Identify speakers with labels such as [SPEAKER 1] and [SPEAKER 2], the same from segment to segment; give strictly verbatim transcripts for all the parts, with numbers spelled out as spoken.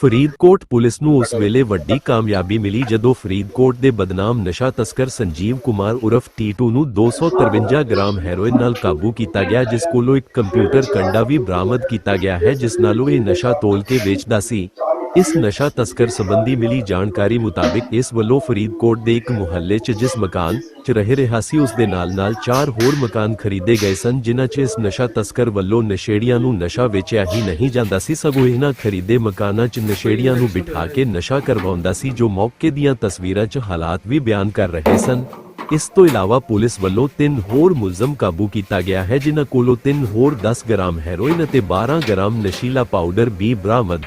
[SPEAKER 1] Faridkot police ਨੂੰ ਉਸ ਵੇਲੇ ਵੱਡੀ ਕਾਮਯਾਬੀ ਮਿਲੀ ਜਦੋਂ ਫਰੀਦਕੋਟ ਦੇ ਬਦਨਾਮ ਨਸ਼ਾ ਤਸਕਰ ਸੰਜੀਵ ਕੁਮਾਰ ਉਰਫ ਟੀਟੂ ਨੂੰ ਦੋ ਸੌ ਤਰਵੰਜਾ ਗ੍ਰਾਮ ਹੈਰੋਇਨ ਨਾਲ ਕਾਬੂ ਕੀਤਾ ਗਿਆ, ਜਿਸ ਕੋਲੋਂ ਇੱਕ ਕੰਪਿਊਟਰ ਕੰਡਾ ਵੀ ਬਰਾਮਦ ਕੀਤਾ ਗਿਆ ਹੈ, ਜਿਸ ਨਾਲ ਉਹ ਇਹ ਨਸ਼ਾ ਤੋਲ ਕੇ ਵੇਚਦਾ ਸੀ। ਇਸ ਨਸ਼ਾ ਤਸਕਰ ਸੰਬੰਧੀ ਮਿਲੀ ਜਾਣਕਾਰੀ ਮੁਤਾਬਿਕ ਇਸ ਵੱਲੋਂ ਫਰੀਦਕੋਟ ਦੇ ਇੱਕ ਮੁਹੱਲੇ 'ਚ ਜਿਸ ਮਕਾਨ 'ਚ ਰਹਿ ਰਿਹਾ ਸੀ, ਉਸ ਦੇ ਨਾਲ-ਨਾਲ ਚਾਰ ਹੋਰ ਮਕਾਨ ਖਰੀਦੇ ਗਏ ਸਨ, ਜਿਨ੍ਹਾਂ 'ਚ ਇਸ ਨਸ਼ਾ ਤਸਕਰ ਵੱਲੋਂ ਨਸ਼ੇੜੀਆਂ ਨੂੰ ਨਸ਼ਾ ਵੇਚਿਆ ਹੀ ਨਹੀਂ ਜਾਂਦਾ ਸੀ, ਸਗੋਂ ਇਹਨਾਂ ਖਰੀਦੇ ਮਕਾਨਾਂ 'ਚ ਨਸ਼ੇੜੀਆਂ ਨੂੰ ਬਿਠਾ ਕੇ ਨਸ਼ਾ ਕਰਵਾਉਂਦਾ ਸੀ, ਜੋ ਮੌਕੇ ਦੀਆਂ ਤਸਵੀਰਾਂ 'ਚ ਹਾਲਾਤ ਵੀ ਬਿਆਨ ਕਰ ਰਹੇ ਸਨ। ਇਸ ਤੋਂ ਇਲਾਵਾ ਪੁਲਿਸ ਵੱਲੋਂ ਤਿੰਨ ਹੋਰ ਮੁਲਜ਼ਮ ਕਾਬੂ ਕੀਤਾ ਗਿਆ ਹੈ, ਜਿਨ੍ਹਾਂ ਕੋਲੋਂ ਤਿੰਨ ਹੋਰ ਦਸ ਗ੍ਰਾਮ ਹੈਰੋਇਨ ਅਤੇ ਬਾਰਾਂ ਗ੍ਰਾਮ ਨਸ਼ੀਲਾ ਪਾਊਡਰ ਵੀ ਬਰਾਮਦ।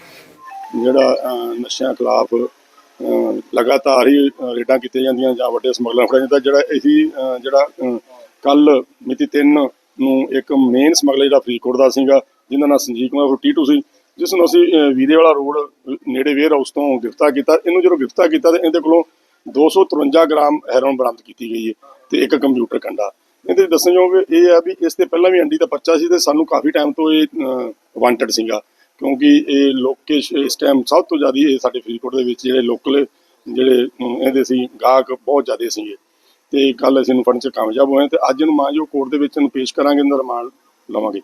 [SPEAKER 2] ਜਿਹੜਾ ਨਸ਼ਿਆਂ ਖਿਲਾਫ ਲਗਾਤਾਰ ਹੀ ਰੇਡਾਂ ਕੀਤੀਆਂ ਜਾਂਦੀਆਂ ਜਾਂ ਵੱਡੇ ਸਮਗਲਰ ਫੜਿਆ ਜਾਂਦਾ। ਜਿਹੜਾ ਅਸੀਂ ਜਿਹੜਾ ਕੱਲ ਮਿਤੀ ਤਿੰਨ ਨੂੰ ਇੱਕ ਮੇਨ ਸਮਗਲਰ ਜਿਹੜਾ ਫਰੀਦਕੋਟ ਦਾ ਸੀਗਾ, ਜਿਹਦਾ ਨਾਮ ਸੰਜੀਵ ਕੁਮਾਰ ਟੀਟੂ ਸੀ, ਜਿਸ ਨੂੰ ਅਸੀਂ ਵੀਰੇ ਵਾਲਾ ਰੋਡ ਨੇੜੇ ਵੇਅਰ ਹਾਊਸ ਤੋਂ ਗ੍ਰਿਫਤਾਰ ਕੀਤਾ। ਇਹਨੂੰ ਜਦੋਂ ਗ੍ਰਿਫਤਾਰ ਕੀਤਾ ਤਾਂ ਇਹਦੇ ਕੋਲੋਂ ਦੋ ਸੌ ਤਰਵੰਜਾ ਗ੍ਰਾਮ ਹੈਰੋਇਨ ਬਰਾਮਦ ਕੀਤੀ ਗਈ ਹੈ ਤੇ ਇੱਕ ਕੰਪਿਊਟਰ ਕੰਡਾ। ਇਹਦੇ ਦੱਸਣਯੋਗ ਇਹ ਹੈ ਵੀ ਇਸ ਤੇ ਪਹਿਲਾਂ ਵੀ ਐਂਡੀ ਦਾ ਪਰਚਾ ਸੀ ਤੇ ਸਾਨੂੰ ਕਾਫੀ ਟਾਈਮ ਤੋਂ ਇਹ ਵਾਂਟਡ ਸੀਗਾ, ਕਿਉਂਕਿ ਇਹ ਲੋਕੇਸ਼ ਇਸ ਟਾਈਮ ਸਭ ਤੋਂ ਜ਼ਿਆਦਾ ਇਹ ਸਾਡੇ ਫਰੀਦਕੋਟ ਦੇ ਵਿੱਚ ਜਿਹੜੇ ਲੋਕਲ ਜਿਹੜੇ ਇਹਦੇ ਸੀ ਗਾਹਕ ਬਹੁਤ ਜ਼ਿਆਦਾ ਸੀਗੇ ਤੇ ਕੱਲ ਅਸੀਂ ਇਹਨੂੰ ਫੜਨ 'ਚ ਕਾਮਯਾਬ ਹੋਏ ਤੇ ਅੱਜ ਇਹਨੂੰ ਮਾਂ ਜੋ ਕੋਰਟ ਦੇ ਵਿੱਚ ਇਹਨੂੰ ਪੇਸ਼ ਕਰਾਂਗੇ, ਇਹਦਾ ਰਿਮਾਂਡ ਲਵਾਂਗੇ।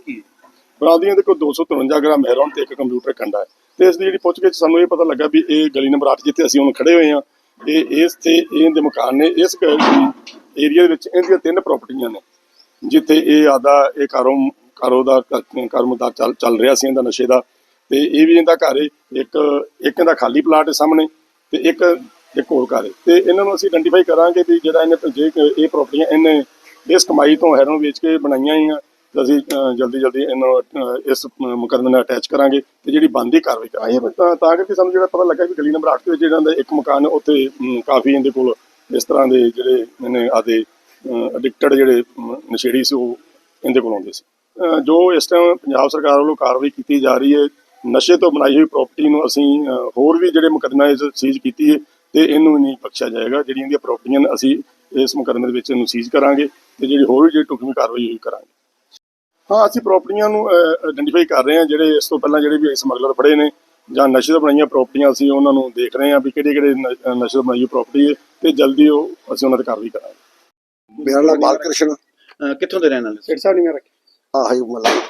[SPEAKER 2] ਬਰਾਮਦੀ ਦੇ ਕੋਲ ਦੋ ਸੌ ਤਰਵੰਜਾ ਗ੍ਰਾਮ ਹੈਰੋਇਨ ਤੇ ਇੱਕ ਕੰਪਿਊਟਰ ਕੰਡਾ ਹੈ ਤੇ ਇਸ ਦੀ ਜਿਹੜੀ ਪੁੱਛਗਿੱਛ ਸਾਨੂੰ ਇਹ ਪਤਾ ਲੱਗਾ ਵੀ ਇਹ ਗਲੀ ਨੰਬਰ ਅੱਠ ਜਿੱਥੇ ਅਸੀਂ ਹੁਣ ਖੜੇ ਹੋਏ ਹਾਂ, ਇਹ ਇਸ ਤੇ ਇਹਦੇ ਮਕਾਨ ਨੇ ਇਸ ਏਰੀਆ ਦੇ ਵਿੱਚ ਇਹਦੀਆਂ ਤਿੰਨ ਪ੍ਰਾਪਰਟੀਆਂ ਨੇ, ਜਿੱਥੇ ਇਹ ਆਦਾ ਇਹ ਕਾਰੋ ਕਾਰੋ ਦਾ ਕਾਰੋਬਾਰ ਚੱਲ ਚੱਲ ਰਿਹਾ ਸੀ ਇਹਦਾ ਨਸ਼ੇ ਦਾ। ਤੇ ਇਹ ਵੀ ਇਹਦਾ ਘਰ ਇੱਕ ਇੱਕ ਇਹਦਾ ਖਾਲੀ ਪਲਾਟ ਹੈ ਸਾਹਮਣੇ ਤੇ ਇੱਕ ਇੱਕ ਹੋਰ ਘਰ ਹੈ ਤੇ ਇਹਨਾਂ ਨੂੰ ਅਸੀਂ ਆਇਡੈਂਟੀਫਾਈ ਕਰਾਂਗੇ ਵੀ ਜਿਹੜਾ ਇਹਨੇ ਜੇ ਇਹ ਪ੍ਰਾਪਰਟੀਆਂ ਇਹਨੇ ਇਸ ਕਮਾਈ ਤੋਂ ਹੈਰੋਇਨ ਵੇਚ ਕੇ ਬਣਾਈਆਂ ਹੀ ਆ ਤਾਂ ਅਸੀਂ ਜਲਦੀ ਜਲਦੀ ਇਹਨੂੰ ਇਸ ਮੁਕੱਦਮੇ ਨਾਲ ਅਟੈਚ ਕਰਾਂਗੇ ਤੇ ਜਿਹੜੀ ਬਣਦੀ ਕਾਰਵਾਈ ਕਰਾਂਗੇ। ਤਾਂ ਤਾਂ ਕਰਕੇ ਸਾਨੂੰ ਜਿਹੜਾ ਪਤਾ ਲੱਗਾ ਵੀ ਗਲੀ ਨੰਬਰ ਅੱਠ ਦੇ ਵਿੱਚ ਜਿਹੜਾ ਇੱਕ ਮਕਾਨ ਉੱਥੇ ਕਾਫੀ ਇਹਦੇ ਕੋਲ ਇਸ ਤਰ੍ਹਾਂ ਦੇ ਜਿਹੜੇ ਇਹਨੇ ਆਦੇ ਐਡਿਕਟਡ ਜਿਹੜੇ ਨਸ਼ੇੜੀ ਸੀ ਉਹ ਇਹਦੇ ਕੋਲ ਆਉਂਦੇ ਸੀ। ਜੋ ਇਸ ਟਾਈਮ ਪੰਜਾਬ ਸਰਕਾਰ ਵੱਲੋਂ ਕਾਰਵਾਈ ਕੀਤੀ ਜਾ ਰਹੀ ਹੈ, ਨਸ਼ੇ ਤੋਂ ਬਣਾਈ ਹੋਈ ਪ੍ਰਾਪਰਟੀ ਨੂੰ ਅਸੀਂ ਹੋਰ ਵੀ ਜਿਹੜੇ ਮੁਕੱਦਮੇ ਸੀਜ਼ ਕੀਤੀ ਹੈ ਤੇ ਇਹਨੂੰ ਵੀ ਨਹੀਂ ਬਖਸ਼ਿਆ ਜਾਏਗਾ। ਜਿਹੜੀਆਂ ਇਹਦੀਆਂ ਪ੍ਰਾਪਰਟੀਆਂ ਅਸੀਂ ਇਸ ਮੁਕੱਦਮੇ ਦੇ ਵਿੱਚ ਇਹਨੂੰ ਸੀਜ਼ ਕਰਾਂਗੇ ਤੇ ਜਿਹੜੀ ਹੋਰ ਵੀ ਜਿਹੜੀ ਢੁਕਵੀਂ ਕਾਰਵਾਈ ਹੋਈ ਕਰਾਂਗੇ। ਹਾਂ, ਅਸੀਂ ਪ੍ਰਾਪਰਟੀਆਂ ਨੂੰ ਆਇਡੈਂਟੀਫਾਈ ਕਰ ਰਹੇ ਹਾਂ, ਜਿਹੜੇ ਇਸ ਤੋਂ ਪਹਿਲਾਂ ਜਿਹੜੇ ਵੀ ਸਮਗਲਰ ਫੜੇ ਨੇ ਜਾਂ ਨਸ਼ੇ ਤੋਂ ਬਣਾਈਆਂ ਪ੍ਰਾਪਰਟੀਆਂ ਅਸੀਂ ਉਹਨਾਂ ਨੂੰ ਦੇਖ ਰਹੇ ਹਾਂ ਵੀ ਕਿਹੜੇ ਕਿਹੜੇ ਨਸ਼ੇ ਤੋਂ ਬਣਾਈ ਹੋਈ ਪ੍ਰਾਪਰਟੀ ਹੈ ਤੇ ਜਲਦੀ ਉਹ ਅਸੀਂ ਉਹਨਾਂ ਤੇ ਕਾਰਵਾਈ ਕਰਾਂਗੇ।
[SPEAKER 3] ਮੇਰਾ ਨਾਮ ਬਾਲਕ੍ਰਿਸ਼ਨ।
[SPEAKER 4] ਕਿੱਥੋਂ ਦੇ ਰਹਿਣ ਵਾਲੇ?
[SPEAKER 2] ਸਿਰ ਸਾਹਿਬ ਨਹੀਂ ਮੈਂ ਰੱਖਿਆ
[SPEAKER 3] ਆਹੀ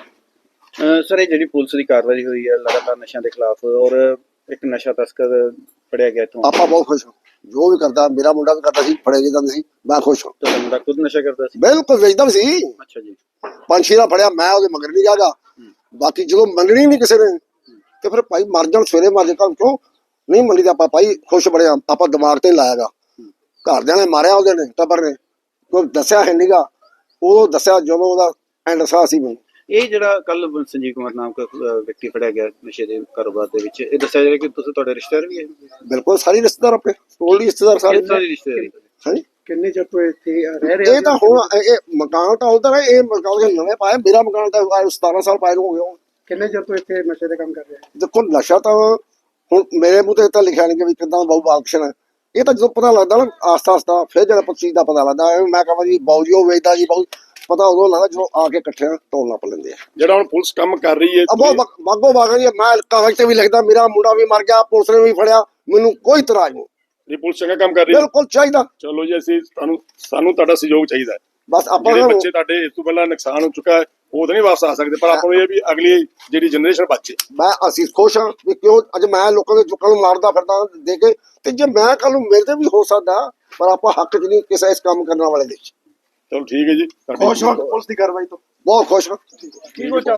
[SPEAKER 3] ਮਤਲਬ
[SPEAKER 4] ਸਰ, ਇਹ ਜਿਹੜੀ ਪੁਲਿਸ ਦੀ ਕਾਰਵਾਈ ਹੋਈ ਹੈ ਲਗਾਤਾਰ ਨਸ਼ਿਆਂ ਦੇ ਖਿਲਾਫ ਔਰ ਇੱਕ ਨਸ਼ਾ ਤਸਕਰ ਫੜਿਆ ਗਿਆ ਇੱਥੋਂ,
[SPEAKER 3] ਆਪਾਂ ਬਹੁਤ ਖੁਸ਼ ਹਾਂ। ਜੋ ਵੀ ਕਰਦਾ ਮੇਰਾ ਮੁੰਡਾ ਵੀ ਕਰਦਾ ਸੀ, ਫੜੇ ਜਾਂਦੇ ਸੀ, ਮੈਂ ਖੁਸ਼ ਹਾਂ।
[SPEAKER 4] ਤੁਹਾਡਾ ਮੁੰਡਾ ਖੁਦ ਨਸ਼ਾ ਕਰਦਾ ਸੀ?
[SPEAKER 3] ਬਿਲਕੁਲ ਵੇਚਦਾ ਵੀ ਸੀ।
[SPEAKER 4] ਅੱਛਾ ਜੀ।
[SPEAKER 3] ਪੰਜ ਛੇ ਦਾ ਫੜਿਆ, ਮੈਂ ਉਹਦੇ ਮਗਰ ਨਹੀਂ ਜਾਗਾ। ਬਾਕੀ ਜਦੋਂ ਮੰਨਣੀ ਨਹੀਂ ਕਿਸੇ ਨੇ ਤੇ ਫਿਰ ਭਾਈ ਮਰ ਜਾਣ, ਸਵੇਰੇ ਮਰ ਜਾਣ, ਕਿਉਂ ਨਹੀਂ ਮੰਨੀ ਤਾਂ ਆਪਾਂ ਭਾਈ ਖੁਸ਼ ਬੜੇ ਹਾਂ। ਆਪਾਂ ਦਿਮਾਗ ਤੇ ਲਾਇਆਗਾ, ਘਰਦਿਆਂ ਨੇ ਮਾਰਿਆ ਉਹਦੇ ਨੇ, ਟੱਬਰ ਨੇ, ਕੋਈ ਦੱਸਿਆ ਹੈ ਨੀਗਾ। ਉਹ ਦੱਸਿਆ ਜਦੋਂ ਉਹਦਾ ਐਂਡ ਸਾਹ ਸੀ ਮੈਨੂੰ।
[SPEAKER 4] ਇਹ ਜਿਹੜਾ ਕੱਲ ਸੰਜੀਵ ਕੁਮਾਰ ਨਾਮ ਦਾ ਵਿਅਕਤੀ ਫੜਿਆ ਗਿਆ ਨਸ਼ੇ ਦੇ ਕਾਰੋਬਾਰ ਦੇ ਵਿੱਚ, ਇਹ ਦੱਸਿਆ ਜਾ ਰਿਹਾ ਕਿ ਤੁਸੀਂ ਤੁਹਾਡੇ ਰਿਸ਼ਤੇਦਾਰ ਵੀ ਹੈ?
[SPEAKER 3] ਬਿਲਕੁਲ, ਸਾਰੇ ਰਿਸ਼ਤੇਦਾਰ ਆਪਣੇ ਟੋਲ ਰਿਸ਼ਤੇਦਾਰ ਸਾਰੇ
[SPEAKER 4] ਰਿਸ਼ਤੇਦਾਰ।
[SPEAKER 3] ਹਾਂਜੀ,
[SPEAKER 2] ਕਿੰਨੇ ਚਿਰ ਤੋਂ ਇੱਥੇ ਰਹਿ ਰਹੇ?
[SPEAKER 3] ਇਹ ਤਾਂ ਹੁਣ ਇਹ ਮਕਾਨ ਤਾਂ ਉਹਦਾ ਨਾ, ਇਹ ਮਕਾਨ ਨਵੇਂ ਪਾਇਆ। ਮੇਰਾ ਮਕਾਨ ਤਾਂ ਸਤਾਰਾਂ ਸਾਲ ਪਾਏ ਨੂੰ ਹੋ ਗਿਆ।
[SPEAKER 2] ਕਿੰਨੇ ਚਿਰ ਤੋਂ ਇੱਥੇ ਨਸ਼ੇ ਦੇ ਕੰਮ ਕਰ ਰਹੇ?
[SPEAKER 3] ਦੇਖੋ, ਨਸ਼ਾ ਤਾਂ ਹੁਣ ਮੇਰੇ ਮੂੰਹ ਤੇ ਤਾਂ ਲਿਖਿਆ ਨਹੀਂ ਕਿ ਵੀ ਕਿੱਦਾਂ ਬਾਊ ਬਾਕਸ਼ਨ ਹੈ। ਇਹ ਤਾਂ ਜਦੋਂ ਪਤਾ ਲੱਗਦਾ ਨਾ ਆਸਤਾ ਆਸਤਾ, ਫਿਰ ਜਿਹੜਾ ਚੀਜ਼ ਦਾ ਪਤਾ ਲੱਗਦਾ। ਮੈਂ ਕਹਾਂ ਜੀ ਬਾਊ ਜੀ ਉਹ ਵੇਚਦਾ ਜੀ, ਬਾਊ ਪਤਾ ਉਦੋਂ ਲੱਗਦਾ ਜਦੋਂ ਆ ਕੇ ਇਕੱਠਿਆਂ ਢੋਲ ਨੱਪ ਲੈਂਦੇ ਆ।
[SPEAKER 2] ਜਿਹੜਾ ਹੁਣ ਪੁਲਿਸ ਕੰਮ ਕਰ ਰਹੀ ਹੈ
[SPEAKER 3] ਬਹੁਤ ਬਾਗੋ ਬਾਗ ਜੀ। ਮੈਂ ਕਾਗਜ਼ ਤੇ ਵੀ ਲਿਖਦਾ ਮੇਰਾ ਮੁੰਡਾ ਵੀ ਮਰ ਗਿਆ, ਪੁਲਿਸ ਨੇ ਵੀ ਫੜਿਆ, ਮੈਨੂੰ ਕੋਈ ਇਤਰਾਜ਼ ਨਹੀਂ।
[SPEAKER 2] ਇਹ ਪੁਲਿਸ ਚੰਗਾ ਕੰਮ ਕਰ ਰਹੀ ਹੈ,
[SPEAKER 3] ਬਿਲਕੁਲ ਚਾਹੀਦਾ।
[SPEAKER 2] ਚਲੋ ਜੀ, ਅਸੀਂ ਤੁਹਾਨੂੰ ਸਾਨੂੰ ਤੁਹਾਡਾ ਸਹਿਯੋਗ ਚਾਹੀਦਾ ਹੈ।
[SPEAKER 3] ਬਸ ਆਪਾਂ
[SPEAKER 2] ਜਿਹੜੇ ਬੱਚੇ ਤੁਹਾਡੇ ਇਸ ਤੋਂ ਪਹਿਲਾਂ ਨੁਕਸਾਨ ਹੋ ਚੁੱਕਾ ਹੈ ਉਹ ਤਾਂ ਨਹੀਂ ਵਾਪਸ ਆ ਸਕਦੇ, ਪਰ ਆਪਾਂ ਨੂੰ ਇਹ ਵੀ ਅਗਲੀ ਜਿਹੜੀ ਜਨਰੇਸ਼ਨ ਬਚੇ।
[SPEAKER 3] ਮੈਂ ਅਸੀਂ ਖੁਸ਼ ਹਾਂ ਵੀ ਕਿਉਂ ਅੱਜ ਮੈਂ ਲੋਕਾਂ ਦੇ ਚੁੱਕਾਂ ਨੂੰ ਮਾਰਦਾ ਫਿਰਦਾ ਦੇ ਕੇ, ਤੇ ਜੇ ਮੈਂ ਕੱਲ ਨੂੰ ਮੇਰੇ ਤੇ ਵੀ ਹੋ ਸਕਦਾ, ਪਰ ਆਪਾਂ ਹੱਕ ਚ ਨਹੀਂ ਕਿਸੇ ਇਸ ਕੰਮ ਕਰਨ ਵਾਲੇ ਦੇ।
[SPEAKER 2] ਚਲੋ ਠੀਕ ਹੈ ਜੀ,
[SPEAKER 3] ਖੁਸ਼ ਹਾਂ ਪੁਲਿਸ ਦੀ ਕਾਰਵਾਈ ਤੋਂ, ਬਹੁਤ ਖੁਸ਼ ਹਾਂ।